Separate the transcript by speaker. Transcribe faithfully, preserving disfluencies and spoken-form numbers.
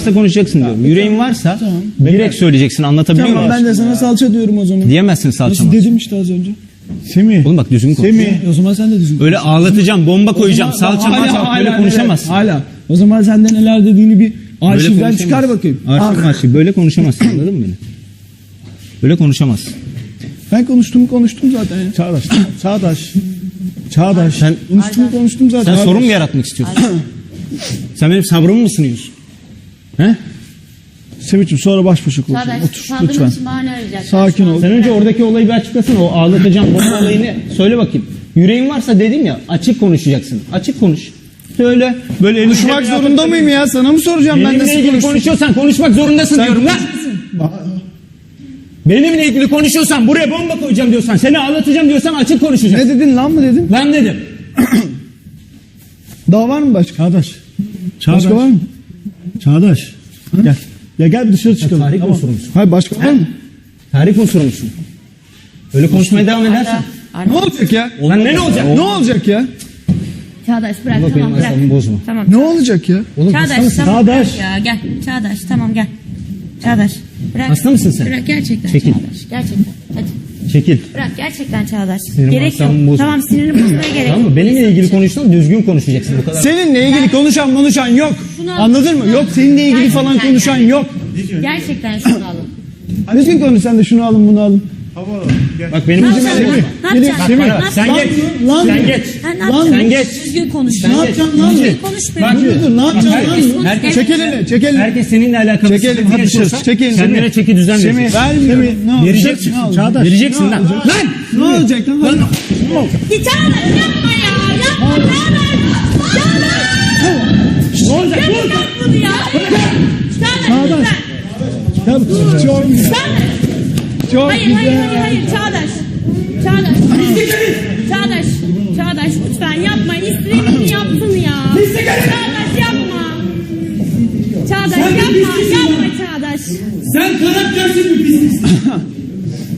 Speaker 1: konuşacaksın diyorum. Yüreğin varsa
Speaker 2: Tamam.
Speaker 1: direkt söyleyeceksin. Anlatabiliyor muyum?
Speaker 2: Tamam ben de sana salça diyorum o zaman.
Speaker 1: Diyemezsin salça.
Speaker 2: Nasıl
Speaker 1: mı?
Speaker 2: dedim işte az önce.
Speaker 3: Semih.
Speaker 1: Oğlum bak düzgün konuş.
Speaker 3: Semih.
Speaker 2: O zaman sen de düzgün konuş.
Speaker 1: Öyle ağlatacağım, bomba koyacağım,
Speaker 2: O zaman-
Speaker 1: salça
Speaker 2: Hala-
Speaker 1: marça
Speaker 2: hala-
Speaker 1: böyle
Speaker 2: hala-
Speaker 1: konuşamazsın.
Speaker 2: Hala. O zaman sen de neler dediğini bir
Speaker 1: Böyle
Speaker 2: arşivden
Speaker 1: konuşamazsın.
Speaker 2: çıkar bakayım.
Speaker 1: Arşiv
Speaker 2: Ah,
Speaker 1: arşiv böyle konuşamazsın, anladın mı beni? Böyle konuşamazsın.
Speaker 2: ben konuştum konuştum zaten ya.
Speaker 3: Çağdaş. Çağdaş. Çağdaş.
Speaker 1: Sen
Speaker 2: Konuştum konuştum zaten.
Speaker 1: sen sorun mu yaratmak istiyorsun? Sen benim sabrımı mı sınıyorsun? He?
Speaker 3: Semih'cim sonra baş başa konuşalım.
Speaker 4: Çağdaş,
Speaker 3: Otur
Speaker 4: sandığın
Speaker 3: lütfen.
Speaker 4: için bahane arayacaklar.
Speaker 3: Sakin ol.
Speaker 1: Sen önce oradaki olayı bir açıklasana. O ağlatacağım bomba olayını söyle bakayım. Yüreğin varsa dedim ya, açık konuşacaksın. Açık konuş. Söyle. Böyle elini
Speaker 2: Konuşmak
Speaker 1: cebine
Speaker 2: zorunda
Speaker 1: atıp-
Speaker 2: mıyım ya? Sana mı soracağım ben
Speaker 1: Benimle
Speaker 2: nasıl
Speaker 1: ilgili
Speaker 2: konuştum?
Speaker 1: konuşuyorsan konuşmak zorundasın
Speaker 2: Sen
Speaker 1: diyorum lan. Benimle ilgili konuşuyorsan, buraya bomba koyacağım diyorsan, seni ağlatacağım diyorsan açık konuşacaksın.
Speaker 2: Ne dedin lan mı dedin?
Speaker 1: Ben dedim.
Speaker 2: Daha var mı başka?
Speaker 3: Çağdaş. Çağdaş.
Speaker 2: Başka var mı?
Speaker 3: Çağdaş. Gel. Ya gel bir dışarı çıkalım.
Speaker 1: Tarih
Speaker 3: Tamam.
Speaker 1: unsuru musun?
Speaker 2: Hayır başka var mı?
Speaker 1: Tarih unsuru musun? Öyle konuşmaya devam edersen.
Speaker 2: Ne olacak ya?
Speaker 1: Lan ne ne olacak?
Speaker 2: Ne olacak ya?
Speaker 4: Çağdaş bırak
Speaker 1: Bak
Speaker 4: tamam
Speaker 1: benim
Speaker 4: bırak.
Speaker 1: asabımı bozma.
Speaker 4: Tamam.
Speaker 2: Ne olacak ya?
Speaker 1: Oğlum hasta
Speaker 4: Çağdaş
Speaker 1: mısın?
Speaker 4: tamam
Speaker 3: Çağdaş.
Speaker 4: bırak ya gel. Çağdaş tamam gel. Çağdaş bırak.
Speaker 1: Hasta mısın sen?
Speaker 4: Bırak gerçekten
Speaker 1: Çekil.
Speaker 4: Çağdaş. Gerçekten. Hadi.
Speaker 1: Çekil.
Speaker 4: Bırak gerçekten Çağdaş.
Speaker 1: Benim
Speaker 4: gerek yok.
Speaker 1: asabımı bozma.
Speaker 4: Tamam sinirini bozmaya gerek yok.
Speaker 1: Tamam mı? Benimle ilgili konuşsan düzgün konuşacaksın. Bu kadar.
Speaker 2: Seninle ilgili konuşan konuşan yok.
Speaker 4: Şunu al,
Speaker 2: Anladın mı?
Speaker 4: şunu al.
Speaker 2: Yok seninle ilgili falan
Speaker 4: Gerçekten
Speaker 2: konuşan
Speaker 4: yani.
Speaker 2: yok.
Speaker 4: Gerçekten şunu alın.
Speaker 2: Düzgün konuş sen de şunu alın bunu alın.
Speaker 1: Bak benim
Speaker 4: Ne
Speaker 1: yüzüme
Speaker 4: yapacaksın?
Speaker 1: değil.
Speaker 4: Ne yapacaksın?
Speaker 1: Bak
Speaker 4: Ne
Speaker 1: bana, sen
Speaker 4: yapacaksın?
Speaker 1: geç.
Speaker 2: Lan,
Speaker 1: Sen geç.
Speaker 4: Ha, ne
Speaker 2: Lan,
Speaker 4: yapacaksın?
Speaker 1: sen geç.
Speaker 4: Düzgün konuş.
Speaker 1: Sen
Speaker 4: Ne
Speaker 1: geç.
Speaker 4: yapacaksın lan? Düzgün konuş be.
Speaker 1: Bak,
Speaker 2: Dur dur ne yapacaksın
Speaker 1: herkes-
Speaker 2: lan?
Speaker 1: herkes-
Speaker 2: Çek elini çek elini.
Speaker 1: Herkes seninle alakalı
Speaker 2: Çek elini,
Speaker 1: sıkıntı
Speaker 2: hadi
Speaker 1: yaşıyorsa
Speaker 2: sus, çek elini.
Speaker 1: kendine çeki düzen
Speaker 2: Semih,
Speaker 1: vereceksin.
Speaker 2: vermiyorum. Ne olacak?
Speaker 1: Vereceksin.
Speaker 2: Ne olacak?
Speaker 3: Çağdaş.
Speaker 1: Vereceksin
Speaker 2: Ne
Speaker 1: lan.
Speaker 2: olacak?
Speaker 1: Lan!
Speaker 2: Ne olacak lan? Lan.
Speaker 4: Git Çağdaş yapma ya. Yapma Çağdaş. Çağdaş.
Speaker 1: Ne olacak? Dur!
Speaker 4: Bırak bunu ya. Çağdaş.
Speaker 2: Ya, çok güzel. Çok
Speaker 4: Hayır
Speaker 2: güzel.
Speaker 4: hayır hayır hayır Çağdaş. Çağdaş. Çağdaş. Çağdaş lütfen yapma. İstediğini yapsın ya. Çağdaş yapma. Çağdaş yapma. Yapma Çağdaş.
Speaker 1: Sen karaktersiz bir pisliksin.